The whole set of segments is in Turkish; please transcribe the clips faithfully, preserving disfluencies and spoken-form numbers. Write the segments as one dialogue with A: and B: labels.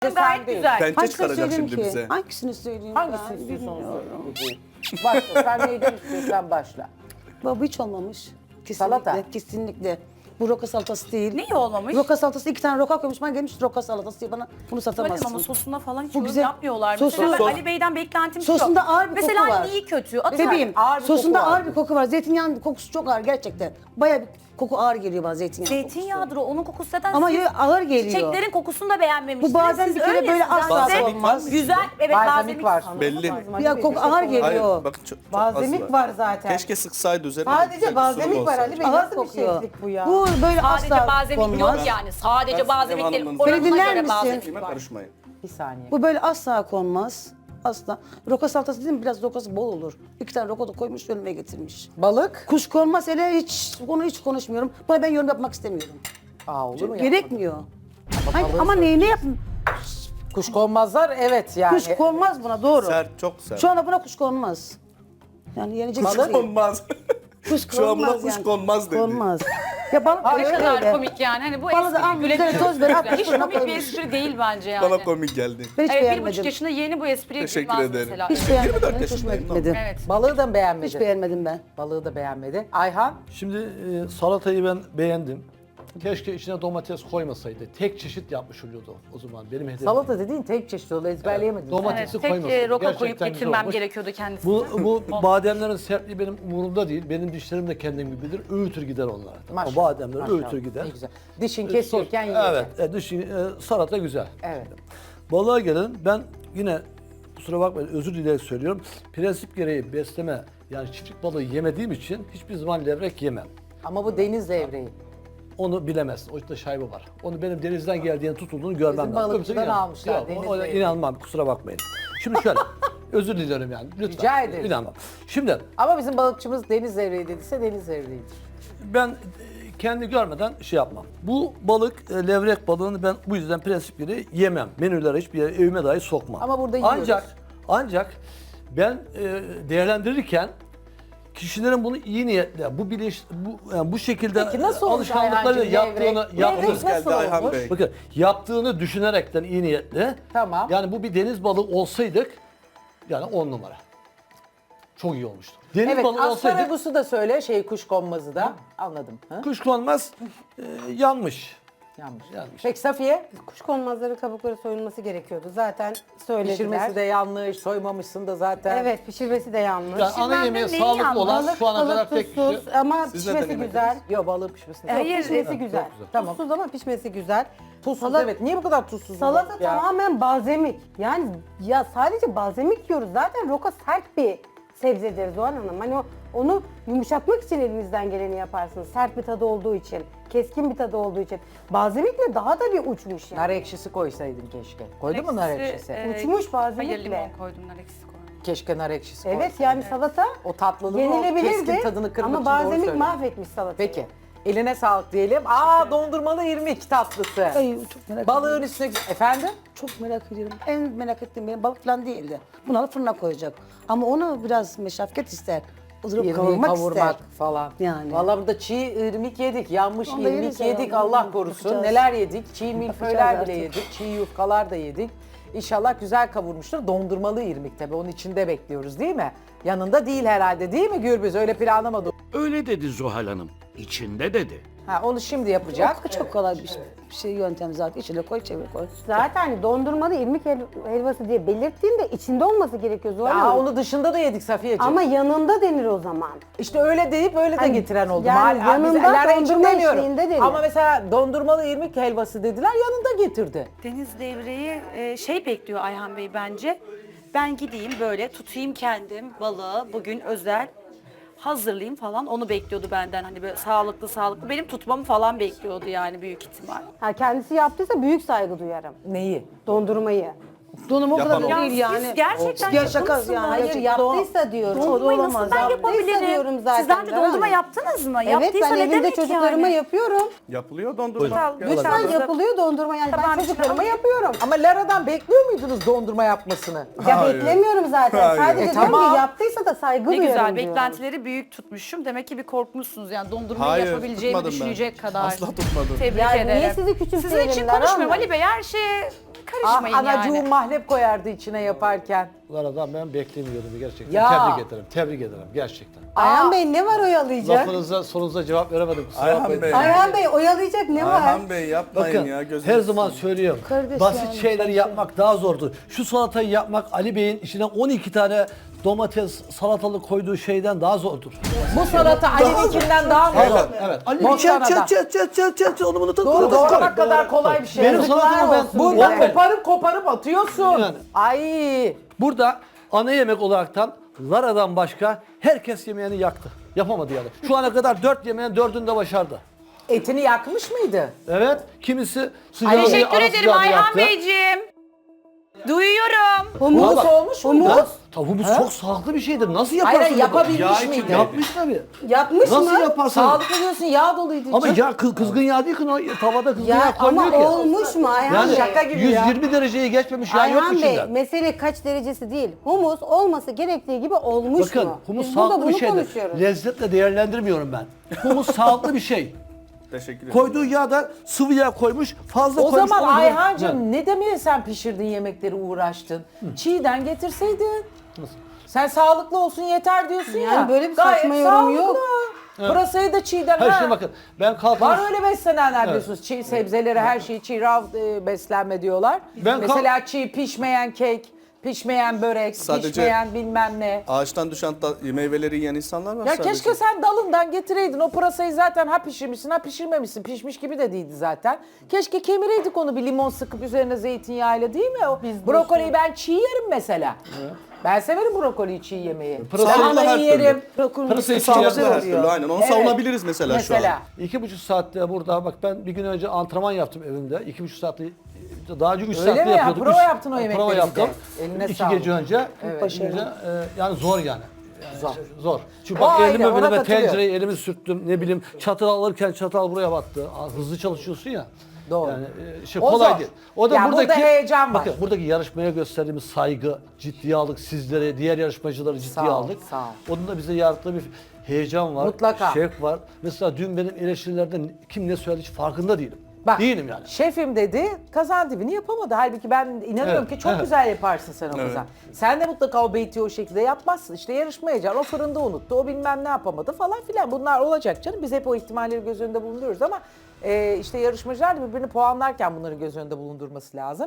A: Gayet güzel.
B: Pençe
C: Hangisini
B: çıkaracak
C: söyleyeyim
B: şimdi
C: ki?
B: bize.
C: Hangisini söyleyeyim
A: Hangisini
C: ben?
A: istiyorsun onu
C: Bilmiyorum.
A: söyle. Başla. Sen neyden istiyorsan başla.
C: Baba hiç olmamış. Kesinlikle,
A: Salata.
C: kesinlikle. Bu roka salatası değil.
D: Niye olmamış?
C: Roka salatası iki tane roka koymuş. Ben gelmiş roka salatası diye bana bunu satamazsın.
D: Söyledim ama sosuna falan hiç
C: Bu
D: yorum
C: güzel.
D: yapmıyorlar.
C: Sosu-
D: Mesela ben
C: Sos-
D: Ali Bey'den beklentim şu.
C: Sosunda ağır bir
D: Mesela
C: koku var.
D: iyi kötü. Atıyorum.
C: Bebeğim,
A: ağır bir
C: sosunda
A: koku var
C: ağır bir koku var. Zeytinyağının kokusu çok ağır gerçekten. Bayağı bir koku ağır geliyor bana zeytinyağı
D: Zeytinyağıdır o. Onun kokusu zaten
C: Ama
D: siz
C: yo- ağır geliyor.
D: çiçeklerin kokusunu da beğenmemişsiniz.
C: Bu bazen
D: Siz
C: bir kere böyle
D: öylesiniz.
C: asla
D: Yani size
B: olmaz.
D: Güzel. Evet
A: Balzamik
D: balzamik
A: var.
B: Belli.
C: Ya koku ağır geliyor.
B: Hayır bakın çok, çok az
E: Balzamik var zaten.
B: Keşke sıksaydı üzerine.
E: Sadece
B: güzel bir
E: balzamik
B: sunum
E: var
B: olsaydı.
E: Ali Bey.
C: Ağır
E: Nasıl bir
C: kokuyor.
E: şeflik bu ya?
C: Bu böyle
D: Sadece
C: asla
D: balzamik
C: konmaz.
D: yok yani. Sadece
B: Ben
D: balzamik
B: Sinem
D: değil.
B: Hanım'ın-
D: Oranına
C: Beni dinler
D: göre
C: misin?
D: balzamik
B: Kime
D: var.
B: karışmayın.
A: Bir saniye.
C: Bu böyle asla konmaz. Asla. Roka salatası değil mi? Biraz rokası bol olur. İki tane roka da koymuş önüme getirmiş.
A: Balık.
C: Kuş konmaz hele hiç, onu hiç konuşmuyorum. Buna ben yorum yapmak istemiyorum.
A: Aa olur mu?
C: Gerekmiyor. Ama,
A: balığı
C: ama neyini yapın?
A: Kuş konmazlar evet yani.
C: Kuş konmaz buna doğru.
B: Sert, çok sert.
C: Şu anda buna kuş konmaz. Yani yenecek
B: Kuş
C: bir şey değil.
B: konmaz.
C: Kuş
B: Şu an buna
C: konmaz
B: kuş
C: yani.
B: konmaz dedi.
C: Konmaz. Ya balık
D: Ne
C: öyle
D: kadar
C: öyle.
D: komik yani. Hani bu
C: Bana da
D: espri
C: al,
D: gülebiliyoruz.
C: güzel toz ver, at
D: Hiç
C: fırına
D: komik bir
C: koymuş.
D: espri değil bence yani.
B: Bana komik geldi.
C: Ben hiç
D: Evet bir
C: beğenmedim.
D: buçuk yaşında yeni bu espriye
B: Teşekkür
D: gülmez
B: ederim.
D: mesela.
C: Hiç beğenmedim.
B: yirmi dört
C: Hiç hoşuma
B: yaşındayım,
C: gitmedi.
D: Evet.
A: Balığı da mı beğenmedin?
C: Hiç beğenmedim ben.
A: Balığı da beğenmedi. Ayhan.
F: Şimdi e, salatayı ben beğendim. Keşke içine domates koymasaydı. Tek çeşit yapmış oluyordu o zaman. Benim hedefim.
A: Salata dediğin tek çeşit oldu ezberleyemedim.
F: Domates-
D: Evet,
F: Domatesi
D: tek
F: koymasın.
D: e, roka koyup
F: Gerçekten güzel
D: getirmem
F: olmuş.
D: gerekiyordu kendisine.
F: Bu, bu bademlerin sertliği benim umurumda değil. Benim dişlerim de kendim gibidir. Öğütür gider onlar.
A: Maşallah,
F: O bademler
A: maşallah.
F: öğütür gider.
A: Ne güzel. Dişin
F: E,
A: kesiyorken
F: sos-
A: yiyeceksin.
F: Evet. E, dışı, e, salata güzel.
A: Evet.
F: Balığa gelelim. Ben yine kusura bakmayın özür dileyerek söylüyorum. Prensip gereği besleme yani çiftlik balığı yemediğim için hiçbir zaman levrek yemem.
A: Ama bu deniz levreği.
F: Onu bilemezsin. O işte şaibe var. Onu benim denizden geldiğini tutulduğunu görmem
A: Bizim
F: lazım.
A: balıkçıdan
F: Öbürsü inan-
A: almışlar,
F: Yok,
A: deniz
F: o- ona
A: levreği.
F: inanmam. Kusura bakmayın. Şimdi şöyle. özür dilerim yani. Lütfen.
A: Rica ederim.
F: İnanmam. Şimdi
A: Ama bizim balıkçımız deniz levreği dediyse deniz levreğidir.
F: ben e, kendi görmeden şey yapmam. Bu balık, e, levrek balığını ben bu yüzden prensip gereği yemem. Menülere hiçbir yere evime dahi sokmam.
A: Ama burada yiyoruz.
F: Ancak, ancak ben e, değerlendirirken kişilerin bunu iyi niyetle, bu bilinç, bu yani bu şekilde
A: Peki nasıl olmuş
F: alışkanlıklarıyla
A: Ayhancığım
F: yaptığını,
A: levrek?
F: yaptığını,
A: Levrek nasıl
B: Geldi Ayhan
A: olmuş?
B: Bey.
F: bakın yaptığını düşünerekten iyi niyetle.
A: Tamam.
F: Yani bu bir deniz balığı olsaydık, yani on numara. Çok iyi olmuştu. Deniz
A: Evet
F: balığı olsaydık,
A: asparagusu da söyle şey kuşkonmazı da. Anladım. Ha?
F: kuşkonmaz e, yanmış.
A: Yanlış.
F: Yanlış.
A: Peki Safiye?
E: Kuşkonmazları kabukları soyulması gerekiyordu. Zaten söylediler.
A: Pişirmesi de yanlış, soymamışsın da zaten.
E: Evet pişirmesi de yanlış.
F: Yani ana
D: ben de
F: yemeği
D: neyi
F: sağlıklı
D: yandım?
F: olan
E: Balık,
F: şu ana kadar
E: balık
F: tek
E: tuzsuz
F: kişi.
E: ama
B: Siz
E: pişmesi
B: neden
E: güzel.
A: Yok balığı pişmesini.
E: Yok,
D: Hayır,
E: pişmesi
F: evet,
E: güzel.
F: çok güzel.
A: Tamam.
E: Tuzsuz ama pişmesi güzel.
A: Tuzsuz
E: Salata-
A: evet. Niye bu kadar tuzsuz?
E: Salata
A: balık ya?
E: tamamen balzamik. Yani ya sadece balzamik yiyoruz. Zaten roka sert bir sebzedir Zuhal Hanım. Hani o, onu yumuşatmak için elinizden geleni yaparsınız. Sert bir tadı olduğu için, keskin bir tadı olduğu için. Balzamikle daha da bir uçmuş yani.
A: Nar ekşisi koysaydın keşke. Koydun mu nar ekşisi?
D: e,
E: Uçmuş balzamikle.
D: Hayır limon koydum nar ekşisi koydum.
A: Keşke nar ekşisi
E: Evet
A: koysaydın.
E: yani salata
A: O tatlılığın o
E: yenilebilirdi
A: keskin tadını kırmak
E: ama
A: için doğru
E: balzamik
A: söylüyorsun.
E: mahvetmiş salatayı.
A: Peki. Eline sağlık diyelim. Aa dondurmalı irmik tatlısı.
C: Ay, çok merak
A: Balığın
C: ediyorum.
A: üstüne... Efendim?
C: Çok merak ediyorum. En merak ettiğim benim balık falan değildi. Bunu alıp fırına koyacak. Ama onu biraz meşakkat ister. Durup
A: İrmiği
C: kavurmak,
A: kavurmak
C: ister.
A: falan.
C: Yani.
A: Vallahi burada çiğ irmik yedik, yanmış
C: Onu da
A: irmik
C: yeriz
A: yedik
C: ya,
A: Allah
C: onu
A: korusun.
C: yapacağız.
A: Neler yedik? Çiğ milföyler
C: Yapacağız
A: bile
C: artık.
A: yedik, çiğ yufkalar da yedik. İnşallah güzel kavurmuştur. Dondurmalı irmik tabii onun içinde bekliyoruz değil mi? Yanında değil herhalde değil mi Gürbüz? Öyle planlamadı.
G: Öyle dedi Zuhal Hanım. İçinde dedi.
A: Ha, onu şimdi yapacak.
C: Çok, çok kolay bir şey, bir şey yöntem zaten. İçine koy, çevir koy.
E: Zaten dondurmalı irmik hel- helvası diye belirttiğimde içinde olması gerekiyor Zuhal
A: Ya
E: Hanım.
A: onu dışında da yedik Safiyeciğim.
E: Ama yanında denir o zaman.
A: İşte öyle deyip öyle de
E: Hani
A: getiren oldu.
E: yani
A: Mal-
E: yanında
A: biz eller için
E: dondurma
A: demiyorum.
E: eşliğinde denir.
A: Ama mesela dondurmalı irmik helvası dediler yanında getirdi.
D: Deniz devreyi e, şey bekliyor Ayhan Bey bence. Ben gideyim böyle tutayım kendim balığı bugün özel hazırlayayım falan onu bekliyordu benden hani böyle sağlıklı sağlıklı benim tutmamı falan bekliyordu yani büyük ihtimal.
E: Ha, kendisi yaptıysa büyük saygı duyarım.
A: Neyi?
E: Dondurmayı.
C: Donum o kadar
B: Yapamam.
C: da
D: Ya
C: değil
D: siz
C: yani.
D: gerçekten
C: Ya şaka
D: yapımsınız.
C: yani.
E: Hayır
C: gerçekten o-
E: yaptıysa diyorum.
D: Dondurmayı
C: O da
D: nasıl
C: olamaz.
D: ben
E: Yaptıysa
D: yapabilirim?
E: diyorum zaten,
D: Siz daha önce
E: Zahra
D: dondurma
E: Hanım.
D: yaptınız mı?
E: Evet
D: Yaptıysa
E: ben
D: ne
E: evimde
D: demek
E: çocuklarıma
D: yani?
E: yapıyorum.
B: Yapılıyor dondurma.
A: Lütfen,
B: Gel
A: lütfen.
B: bakalım.
E: Lütfen yapılıyor dondurma yani
D: Tamam,
E: ben çocuklarıma
D: tamam.
E: yapıyorum.
A: Ama Lara'dan bekliyor muydunuz dondurma yapmasını?
E: Ya
B: Hayır.
E: beklemiyorum zaten.
B: Hayır.
E: Sadece
A: E,
E: diyorum
A: tamam.
E: ki yaptıysa da saygı
D: Ne
E: duyarım
D: güzel
E: diyorum.
D: beklentileri büyük tutmuşum. Demek ki bir korkmuşsunuz yani dondurmayı
B: Hayır,
D: yapabileceğimi
B: tutmadım ben.
D: düşünecek kadar.
B: Asla tutmadım.
D: Tebrik
E: Yani
D: ederim.
E: niye sizi küçümseyelim
D: Sizin için
E: Lara
D: konuşmuyorum
E: Hanım?
D: Ali Bey her şeye
A: Ah
D: karışmayın
A: anacığım
D: yani.
A: mahlep koyardı içine yaparken.
F: Laradan ben beklemiyordum gerçekten.
A: Ya.
F: Tebrik ederim, tebrik ederim gerçekten.
E: Ayhan Bey ne var oyalayacak?
F: Lafınıza, sorunuza cevap veremedim. Kusura
B: Ayhan
F: bakmayın.
B: Bey.
E: Ayhan Bey oyalayacak ne var?
B: Ayhan Bey yapmayın
F: Bakın
B: ya gözünüzü
F: her zaman
B: seveyim.
F: söylüyorum.
C: Kardeş
F: basit
C: yani,
F: şeyleri
C: sen
F: yapmak daha zordur. Şu salatayı yapmak Ali Bey'in içine on iki tane domates, salatalık koyduğu şeyden daha zordur.
A: Bu salata Ali'ninkinden daha mı
F: Evet,
A: zor?
F: evet. Ali
A: Boş
F: çat
A: salata.
F: çat çat çat çat çat çat onu bunu tak.
A: Doğru doğramak kadar kolay bir şey.
F: Benim
A: Yazıklar
F: salatamı ben
A: olsun. Bundan
F: Evet.
A: koparıp koparıp atıyorsun.
F: Yani.
A: Ay.
F: Burada ana yemek olaraktan Lara'dan başka herkes yemeğini yaktı. Yapamadı yani. Şu ana kadar dört yemeğin dördünü de başardı.
A: Etini yakmış mıydı?
F: Evet, kimisi sıcağı
D: Teşekkür
F: ara
D: ederim
F: sıcağı
D: Ayhan
F: yaktı.
D: Beyciğim. Duyuyorum.
A: Humus
F: Bak,
A: olmuş muydu?
F: Ya, Humus çok sağlıklı bir şeydir. Nasıl yaparsın?
A: Hayır,
F: bunu?
A: yapabilmiş
F: Yağ
A: miydi?
F: için Yapmış tabii.
E: Yapmış
F: Nasıl
E: mı?
F: yaparsın?
A: Sağlıklı diyorsun yağ doluydu.
F: Ama
A: içi.
F: ya kız, kızgın yağ değil ki o tavada kızgın
E: Ya
F: yağ
E: ama
F: koymuyor ki.
E: olmuş mu Ayhan
F: Yani
E: Bey?
A: Şaka gibi ya.
F: yüz yirmi dereceyi geçmemiş yağ yok
E: Ayhan Bey
F: içinde.
E: mesele kaç derecesi değil. Humus olması gerektiği gibi olmuş
F: Bakın
E: mu?
F: humus
E: Biz burada
F: sağlıklı
E: bunu
F: bir şeydir.
E: konuşuyoruz.
F: Lezzetle değerlendirmiyorum ben. Humus sağlıklı bir şey.
B: Teşekkür ederim.
F: Koyduğu yağ da sıvı yağ koymuş, fazla
A: O
F: koymuş.
A: zaman
F: onu-
A: Ayhancığım ne demeye sen pişirdiğin yemekleri uğraştın? Çiğden getirseydin. Sen sağlıklı olsun yeter diyorsun ya.
E: Yani böyle bir
A: Gayet
E: saçma yorum
A: sağlıklı.
E: yok.
A: Pırasayı da çiğden.
F: Hayır
A: ha.
F: şimdi bakın ben kalkmış.
A: Var öyle beslenenler diyorsunuz. Çiğ sebzeleri her şeyi çiğ rav e, beslenme diyorlar.
F: Ben kalk-
A: Mesela çiğ pişmeyen kek, pişmeyen börek,
B: Sadece-
A: pişmeyen bilmem ne.
B: Ağaçtan düşen ta- meyveleri yiyen insanlar var
A: Ya
B: sadece.
A: keşke sen dalından getireydin. O pırasayı zaten ha pişirmişsin ha pişirmemişsin. Pişmiş gibi de değildi zaten. Keşke kemireydik onu bir limon sıkıp üzerine zeytinyağıyla değil mi? O brokoliyi ben çiğ yerim mesela. Ben severim brokoliyi çiğ yemeyi.
F: Pırasayı
A: Lahanayı
B: her türlü.
A: yerim.
F: Pırasayı çiğ
B: Sağlıklı
F: yerler.
B: her türlü aynen. Onu
A: Evet.
B: savunabiliriz mesela,
A: Mesela.
B: şu an.
F: İki buçuk saatte burada bak ben bir gün önce antrenman yaptım evimde. İki buçuk saatte daha önce üç
A: Öyle
F: saatte
A: mi ya?
F: yapıyorduk.
A: Prova
F: Üç-
A: yaptın o
F: Prova
A: yemekleri
F: yaptım.
A: bir de. Eline
F: İki
A: sağlık.
F: gece önce.
A: Evet.
F: İki gece, e, yani zor yani. Yani
A: Zor.
F: Zor. Çünkü
A: O
F: bak
A: ayrı,
F: elime
A: ona
F: böyle ben
A: katılıyorum.
F: tencereyi elimi sürttüm ne bileyim çatal alırken çatal buraya battı. Aa, hızlı çalışıyorsun ya.
A: Doğru.
F: Yani e, şey
A: O
F: kolay
A: zor.
F: değil. O da
A: Ya
F: buradaki
A: burada heyecan var.
F: Bakın buradaki yarışmaya gösterdiğimiz saygı, ciddiye aldık sizlere, diğer yarışmacıları ciddiye
A: Sağ ol,
F: aldık.
A: sağ ol.
F: Onun da bize yarattığı bir heyecan var,
A: Mutlaka.
F: şevk var. Mesela dün benim eleştirilerden kim ne söyledi hiç farkında değilim.
A: Bak,
F: Değilim yani.
A: şefim dedi, kazan dibini yapamadı. Halbuki ben inanıyorum
F: Evet,
A: ki çok
F: evet.
A: güzel yaparsın sen o
B: Evet.
A: kazan. Sen de mutlaka o beyti o şekilde yapmazsın. İşte yarışmayacaksın, o fırında unuttu, o bilmem ne yapamadı falan filan. Bunlar olacak canım. Biz hep o ihtimalleri göz önünde bulunduruyoruz ama e, işte yarışmacılar da birbirini puanlarken bunları göz önünde bulundurması lazım.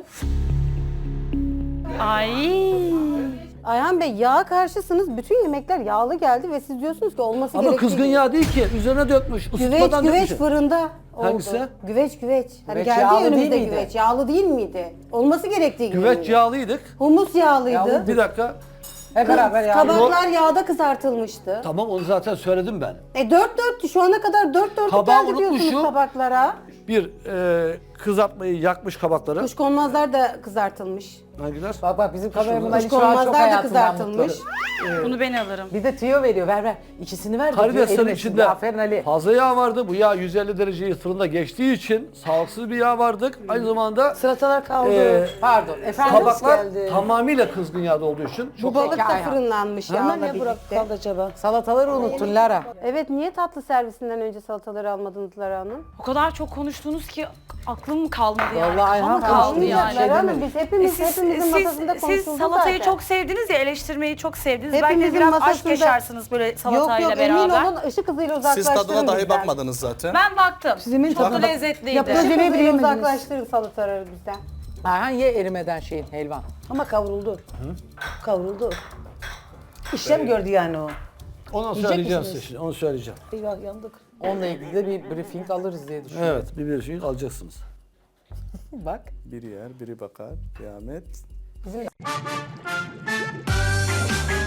D: Ay.
E: Ayhan Bey yağa karşısınız. Bütün yemekler yağlı geldi ve siz diyorsunuz ki olması
F: Ama
E: gerektiği
F: kızgın
E: gibi.
F: yağ değil ki. Üzerine dökmüş.
E: Güveç
F: ısıtmadan
E: güveç
F: dökmüş.
E: fırında oldu.
F: Hangisi?
E: Güveç güveç. Hani
A: Güveç
E: geldi
A: yağlı
E: ya
A: değil
E: önümüzde
A: miydi?
E: güveç. Yağlı değil miydi? Olması gerektiği gibi.
F: Güveç
E: miydi?
F: yağlıydık.
E: Humus yağlıydı.
A: Yağlı.
F: Bir dakika.
A: Hep beraber yani.
E: Tabaklar yağda kızartılmıştı.
F: Tamam onu zaten söyledim ben.
E: E dört dörttü. Şu ana kadar dört dörtlük
F: Tabağı
E: geldi diyorsunuz
F: unutmuşum.
E: tabaklara.
F: Bir e, kızartmayı yakmış kabakları.
E: Kuşkonmazlar da kızartılmış.
F: Hangiler?
A: Bak bak bizim kameraman Ali şu an çok
E: Kuşkonmazlar da
A: hayatından
E: kızartılmış.
A: mutlu.
D: Bunu ben alırım.
A: Bir de tüyo veriyor, ver ver. İkisini ver. de diyor,
F: Karideslerin
A: erimesin
F: içinde
A: diye. Aferin Ali.
F: fazla yağ vardı. Bu yağ yüz elli dereceyi fırında geçtiği için sağlıksız bir yağ vardık. Aynı zamanda
C: Salatalar kaldı.
F: e,
A: Pardon, efendim
F: kabaklar
A: geldi.
F: tamamıyla kızgın yağda olduğu için çok
E: Bu balık
A: Peki
E: da
A: Ayhan.
E: fırınlanmış
C: Hemen
E: yağla
C: ne bırak
E: birlikte.
C: kaldı acaba?
A: Salataları unuttun Lara.
E: Evet niye tatlı servisinden önce salataları almadınız Lara Hanım?
D: O kadar çok konuştunuz ki aklım kalmadı yani.
A: Vallahi Ayhan
D: Kafam kaldı
A: konuştu
D: yani.
A: ya.
E: Lara Hanım
A: demedik.
E: biz hepimiz
D: E siz,
E: hepimizin
D: siz,
E: masasında
D: siz
E: konuşuldu
D: salatayı
E: zaten.
D: çok sevdiniz ya, eleştirmeyi çok sevdiniz. Belki
E: Hepimizin
D: de biraz aşk
E: masasında-
D: yaşarsınız böyle
E: Yok
D: salatayla
E: yok
D: beraber.
E: emin olun ışık hızıyla
B: Siz
E: uzaklaştırın
B: tadına dahi
E: bizden.
B: bakmadınız zaten.
D: Ben baktım.
C: Sizin
D: çok
C: tadına-
D: lezzetliydi.
C: Yaptığı
E: Işık
C: Aceleyi
E: hızıyla
C: bilemediniz.
E: uzaklaştırın salataları bizden.
A: Ayhan ye erimeden şeyin helvan.
C: Ama kavruldu. Kavruldu. İşlem gördü yani o.
F: onu
C: Yiyecek
F: söyleyeceğim
C: misiniz?
F: size şimdi. Onu söyleyeceğim.
C: Eyvah yandık.
A: Onunla ilgili de bir briefing alırız diye düşünüyorum.
F: Evet bir bir şey alacaksınız.
A: Bak.
B: Biri yer, biri bakar. Kıyamet.